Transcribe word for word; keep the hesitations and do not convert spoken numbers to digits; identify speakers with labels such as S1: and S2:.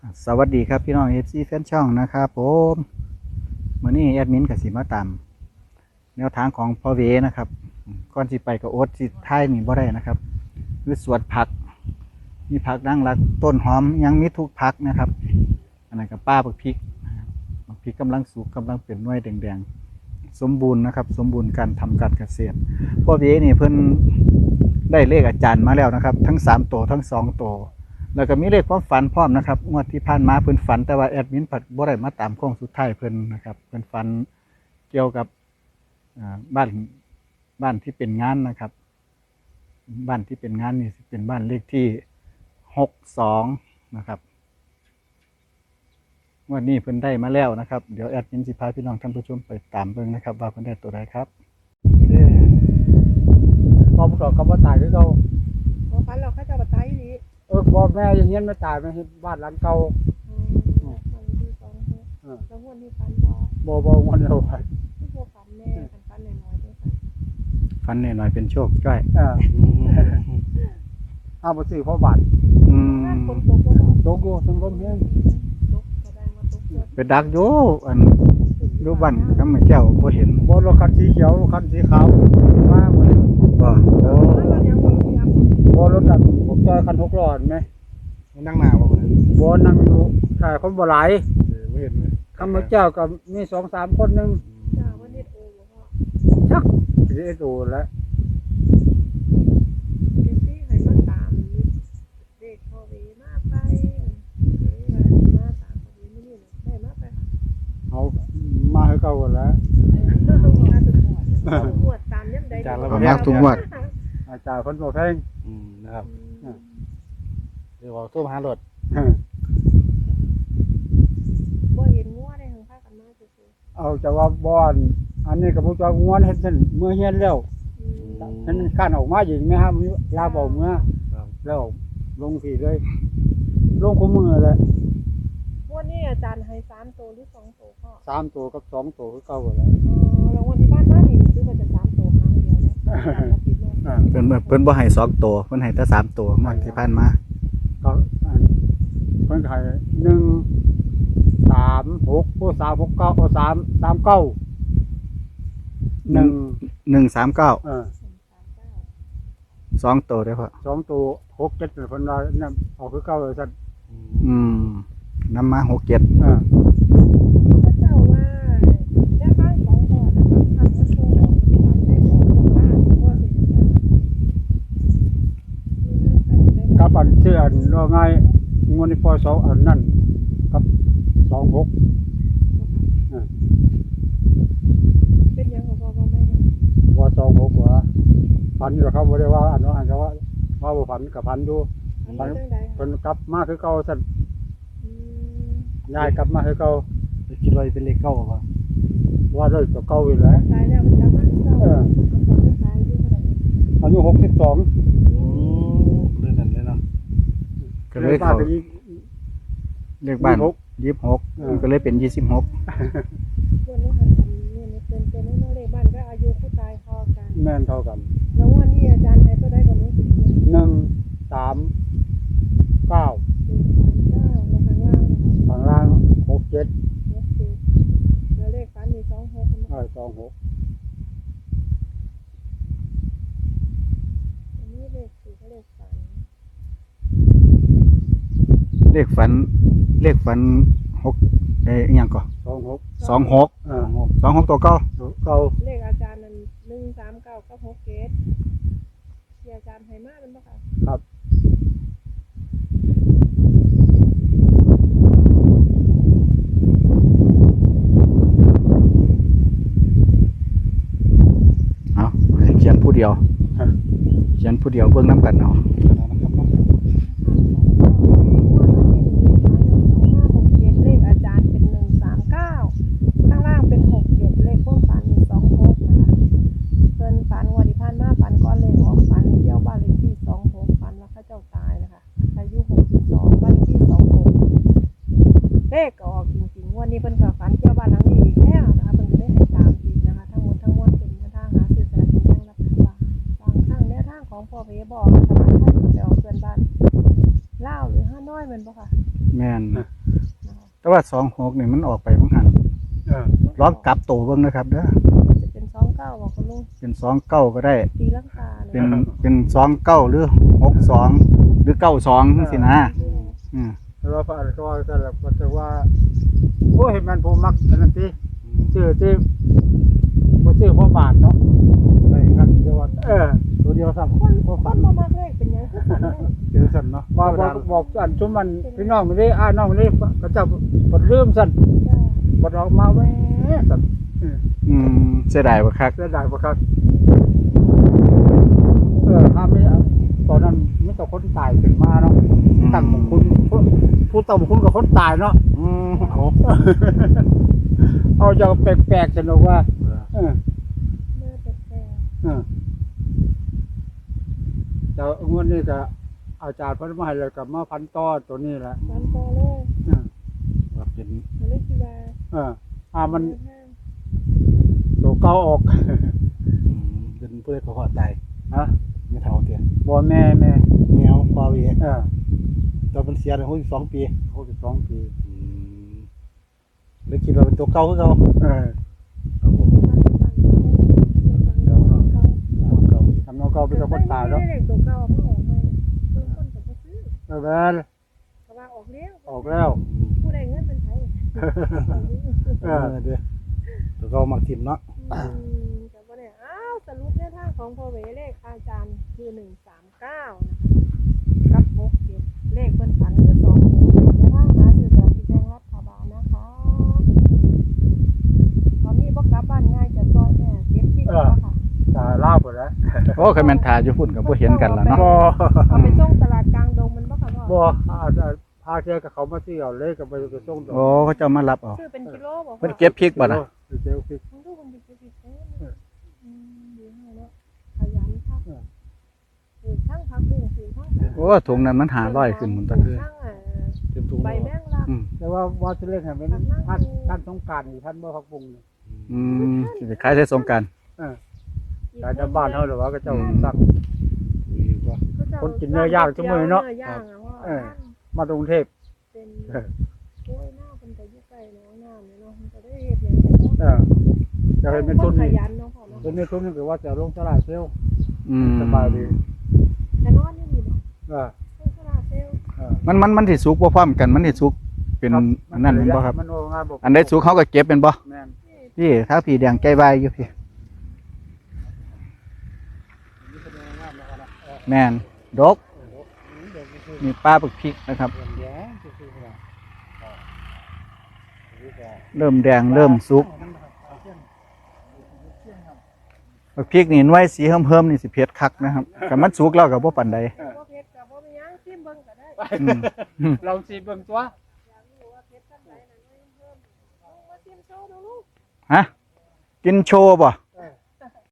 S1: สวัสดีครับพี่น้อง เอฟ ซี แฟนช่องนะครับผมมื้อนี้แอดมินกับสิมาตามแนวทางของพ่อเวนะครับก่อนสิไปกับโอ๊ตสิท้ายนี่บ่ได้นะครับคือสวนผักมีผักดังรักต้นหอมยังมีทุกผักนะครับอันนั้นกับป้าบักพริกบักพริกกำลังสุกกำลังเป็นหน่วยแดงๆสมบูรณ์นะครับสมบูรณ์การทำการเกษตรพ่อเวนี่เพิ่นได้เลขอาจารย์มาแล้วนะครับทั้งสามตัวทั้งสองตัวแล้วก็มีเลขความฝันพร้อมนะครับงวดที่ผ่านมาเพิ่นฝันแต่ว่าแอดมินผัดบ่ได้มาตามโค้งสุดท้ายเพิ่นนะครับเพิ่นฝันเกี่ยวกับบ้านบ้านที่เป็นงานนะครับบ้านที่เป็นงานนี่เป็นบ้านเลขที่หกสองนะครับงวดนี้เพิ่นได้มาแล้วนะครับเดี๋ยวแอดมินสิพาพี่น้องท่านผู้ชมไปตามเบิ่งนะครับว่าเพิ่นได้ตัวใดครับพอประกอบคำว่าตายคือเขา
S2: พอฟันเราเขาจะมาตายอยู่นี่
S1: เออพ่อแม่ยังเงี้ยไม่ตายไม่เห็นบ้านหลังเก่า
S2: ฟันที่สองแล้วหัวที่ฟันบ่
S1: บ่บ่วันเดียวไป
S2: ที่พวกฟันแม่ฟันฟันหน่อยๆด้วยค่ะ
S1: ฟันหน่อยๆเป็นโชคจ้อยเออเอาไปซื้อพ่อบาทอืม
S2: คนตกก็
S1: ตกอยู่ทั้งลมแห้ง
S2: ตกแสดงว่าตกเยอะ
S1: ไปดักอยู่อันดูบ้านก็ไม่เจ้าบ่เห็นบ่รถคันสีเขียวคันสีขาวมาบ่ได้บ่โอ้บ่รถดักผมจอยคันหกล้อเห็นมั้ยนั่งหน้าบ่บ่นั่งอยู่ใช่คนบ่หลายเออบ่เห็นเลยคำว่าเจ้าก็มี สองสาม คนนึง
S2: จ้าว่าเน็ตโอบ่พ่อ
S1: ชักสิเอ็ดโอแล้ว
S2: เดี๋ยวสิให้มาตามเด็กพ่อเวมาไปมาตามพ่อเวมื้อนี้ได้มาไปค่ะ
S1: เอามาให้เก่าแล้ว
S2: มาทุกงวดงวดตามยามใด
S1: มาทุกงวดอาจารย์เพิ่นบ่แพงอืมนะครับเดี๋ยวเอาโทรหารถ
S2: บ่เห็นงัวได้ทางภาคกันมาซื่อ
S1: ๆเอาจะว่าบ่อนอันนี้ก็บ่จักงัวเฮ็ดซั่นเมื่อเฮียนแล้วนั่นคันออกมาอีกมั้ยครับลาบ่เมื่อแล้วลงที่เลยลงคู่มือเลย
S2: วันนี้อาจารย์ให้สามตัวหรือสองตัวพ่อ
S1: สามตัวกับสองตัวคือเก่าแล้ว
S2: อ๋อแล้ววันที่บ้านมานี่คือว่าจะสามตัวครั้งเดียวเนี่ย
S1: เพิ่นเพิ่นบ่ให้สองตัวเพิ่นให้แต่สามตัวงวดที่ผ่านมาก็เพิ่นให้หนึ่ง สาม หกโอ้สาม หก เก้าโอ้สาม สาม เก้า หนึ่ง หนึ่ง สาม เก้าเออสองตัวได้พ่อสองตัวหก เจ็ดเพิ่นว่านั่นเอาคือเก่าเลยซั่นอืมนำมาหก เจ็ดเออ
S2: พระเจ้าว่าได้บ้านสองตัวนะครับทำมันโตทำได้สองตัวบ้านก็สิ
S1: กับอันเชื่อว่าไงงวดนี้ปล่อยสองอันนั่นกับสองหกอ่า
S2: เป็นยังของพ่อพ่อแม่
S1: ว่าสองหกว่าพันอยู่ครับบ่ได้ว่าอันนั้นอันก็ว่าว่าบ่พันกับพันอยู่พันเพิ่นกลับมาคือเก่าซั่นย้ายกลับมาคือเก่าไปคิดว่าเป็นเลขเก้าบ่ว่าเลยตัวเก่าอยู่แล้ว
S2: ตายแล้วมันกลับมาเก่าเออเอาตอนตายอายุเท่าไหร่
S1: อายุหกสิบสองอือเรื่องนั้นเลยเนาะก็เลยเข้าเลขบ้านยี่สิบหกก็เลยเป็นยี่สิบหก
S2: วันนี้หันเนี่ยเป็นเป็นน้อยๆเลขบ้านก็อายุผู้ตายเท่ากัน
S1: แม่นเท่ากัน
S2: แล้ววันนี้อาจารย์ให้ตัวได้ก็รู้สึก
S1: หนึ่ง สาม เก้า
S2: หนึ่ง สาม เก้าแล้วข้างล่าง
S1: ข้างล่างหก เจ็ด
S2: หก เจ็ดแล้วเลขฝันมีสองหก
S1: เออสองหก
S2: อันนี้เลขสี่ก็เลขฝัน
S1: เลขฝันเลขฝันหกเอ้ยยังก่อนสองหกสองหกเออสองหกตัวเก้าเก้า
S2: เลขอาจารย์นั่นหนึ่ง สาม เก้ากับหก เจ็ดที่อาจารย์ให้มาเป็นบ่คะ
S1: ครับเอาให้เขียนผู้เดียวเขียนผู้เดียวเบิ่งน้ำกันเอา
S2: เลขอาจารย์เป็นหนึ่ง สาม เก้าข้างล่างเป็นหก เจ็ดเลขความฝันมีสองหกนะคะเพิ่นฝันวันที่ผ่านมาฝันก้อนเลขออกฝันเที่ยวบ้านเลขที่สองหกฝันว่าเขาเจ้าตายนะคะอายุหกสิบสองบ้านเลขที่สองหกเลขออกจริงๆวันนี้เพิ่นก็ฝันเที่ยวบ้านหลังนี้อีกแล้วนะคะเพิ่นก็ได้ให้ตามอีกนะคะทั้งหมดทั้งมวลเป็นแนวทางหาซื้อสลากกินแบ่งรัฐบาลบางครั้งแนวทางของพ่อเวบอกรัฐบาลไทยไปออกเพื่อนบ้านลาวหรือฮานอยแม่นบ่ค่ะ
S1: แม่น
S3: นะ
S1: แต่ว่าสองหกนี่มันออกไปบางหัน
S3: เออ
S1: ลองกลับตัวเบิ่งนะครับเด้อ
S2: จะเป็นสองเก้าบอกคุณลุง
S1: เป็นสองเก้าก็ได้
S2: ตีลังกา
S1: เป็นเป็นสองเก้าหรือหกสองหรือเก้าสองสินะอืม
S3: แต่ว่าพระอาจารย์ก็ว่าแต่ละก็จะว่าโอ้ยมันผมมักอันนั้นติชื่อที่บ่ชื่อพ่อบาทเนาะ
S1: ได้ครับเดียวว่า
S3: เออ
S1: ตัวเดียวซ้ำ
S2: คนคนบ่มักเลขเป็นหยังคือกันเลย
S1: เดียวซ้ำเนาะ
S3: บอกบอกบอกอันชุมมันพี่น้องนี่อ้าน้องนี่ก็จะบ่ลืมสั่น
S2: จ้า
S3: บ่ออกมาแว้สั่นเออ
S1: อืมเสียดายบ่คัก
S3: เสียดายบ่ครับเออถ้าไม่ตอนนั้นมีแต่คนตายขึ้นมาเนาะตั้งของคุณผู้ผู้ตั้งของคุณกับคนตายเนาะ
S1: อืมเอา
S3: เอาจะแปลกๆสนุกว่าเออ
S2: เมื่อแต่แต่
S3: เออแต่งวดนี้ก็อาจารย์เพิ่นมาให้แล้วก็มาพันต่อตัวนี้แหละ
S2: วันโตเลย
S3: เออ
S1: ว่าเป็น
S2: มันเลยคิดว่า
S3: เออถ้ามัน
S2: แนวทาง
S3: ตัวเก่าออก
S1: อืมเป็นเพื่อนเขาหอดตาย
S3: ฮะ
S1: ไม่เท่าเตีย
S3: บ่แม่แม่
S1: แนวพอเวี
S3: เออ
S1: ตอนมันเสียในหกสิบสองปี
S3: หกสิบสองปี
S1: อืมเลยคิดว่าเป็นตัวเก่าคือเก่า
S3: เออ
S1: ครับผม
S2: เก่าเก่า
S1: ตัวเก่า
S3: ทำน้องเก่าเป็นคนตายแล้ว
S2: ไม่ได้เลขตัวเก่าเพิ่งออกมาเพิ่งต้นกับซื้อ
S3: เออแม่น
S2: ก็ว่าออกแล้ว
S3: ออกแล้ว
S2: ผู้ใดเงินเป็นไผ
S3: เอ
S1: เอ
S3: อ
S1: อเด้อตัวเก่ามักทิมเนาะ
S2: อืมแต่ว่าเนี่ยอ้าวสรุปแนวทางของพ่อเวเลขอาจารย์คือหนึ่งสามเก้านะคะกับหกเจ็ดเลขเพิ่นฝันคือสองหกเจ็ดและทางหาซื้อจากที่แจ้งรัฐบาลนะคะตอนนี้บ่กลับบ้านง่ายจะซอยแม่เก็บที่แล้วค่ะ
S3: ตายล่าหมดแล้ว
S1: โอ้เคยแม่นทาอยู่พุ่นก็บ่เห็นกันแล้วเนาะ
S3: บ่
S2: เอาไปส่งตลาดกลางดงมันบ่ค่ะพ่อ
S3: บ่อาจจะพาเที่ยวกับเขามาเที่ยวเลยกับไปไปส่งดอก
S1: โอ้เขาเจะมารับเอา
S2: ซื้อเป็นกิโลบ่
S1: เพิ่นเก็บพริกบ่ล่ะ
S3: ไปเที่ยวพริก
S2: มันดูมันเป็นกิโลอืมดีมากเนาะขยันค่ะปลูกทั้งผักบุ้งปลูกทั้ง
S1: โอ้ถุงนั้นมันหาร้อยขึ้นหมุนตะ
S2: ป
S1: คื
S2: ลู
S1: อก
S2: ทั้งเอ่อ
S1: เต็มถุง
S2: ใบแมงลัก
S1: อืม
S3: แต่ว่าว่าจะเล่นให้เป็นท่านท่านสงกรารนี่ท่านบ่พักบุงนี่
S1: อืมสิขายใส่สงกรานต์
S3: เออแต่จะบ้านเฮาหรือว่าก็เจ้าสั่ง
S1: ดีกว่า
S3: คนกินเนื้อย่างชั่วโมงเนาะ
S2: เนื้อย่างอะว่า
S3: เออ มาตรงเทพ
S2: เป็น
S3: เออ
S2: โอ้ยหน้าเป็นแต่อยู่ใกล้น้องน้ำเนี่ยเนาะมันจะได้เฮ็ดหยังไง
S3: เอ
S2: เนาะ
S3: อจะเห็นเป็นทุน
S2: ข
S3: นี่
S2: ยันเนาะพ่อเนาะ
S3: เป็นเป็นทุนนี่คือว่าจะลงตลาดเซลล์
S1: อืม
S3: สบายดี
S2: แต่นอนอยู่นี่บ่
S3: เออ
S2: เพิ่นตลาดเซลล์
S3: เออ
S1: มันมันมันสิสุกบ่พร้อมกันมันสิสุกเป็น
S3: ครับ
S1: อันนั้นแม่นบ่ครับ
S3: มันโงานบ่
S1: อันใดสุกเขาก็เก็บเป็นบ่
S3: แม่น
S1: พี่ถ้าผีแดงใจวายอยู่พี่แม่นดกมีป้าปักพริกนะครับ เริ่มแดงเริ่มสุกปักพริกนี่หน่วยสีเฮิมๆนี่สิเผ็ดคักนะครับแต่มันสุกแล้วก็บ่ปานใด
S2: บ่เผ็ดก็บ่มีหยังชิมเบิ่งก็ได้
S1: อืมอืม
S3: เราสิเบิ่งตัว
S2: อยากรู้ว่าเผ็ดจังไดนั่นเพิ่มลงมาชิมโชว์ดูลูก
S1: ฮะกินโชว์บ่
S2: เ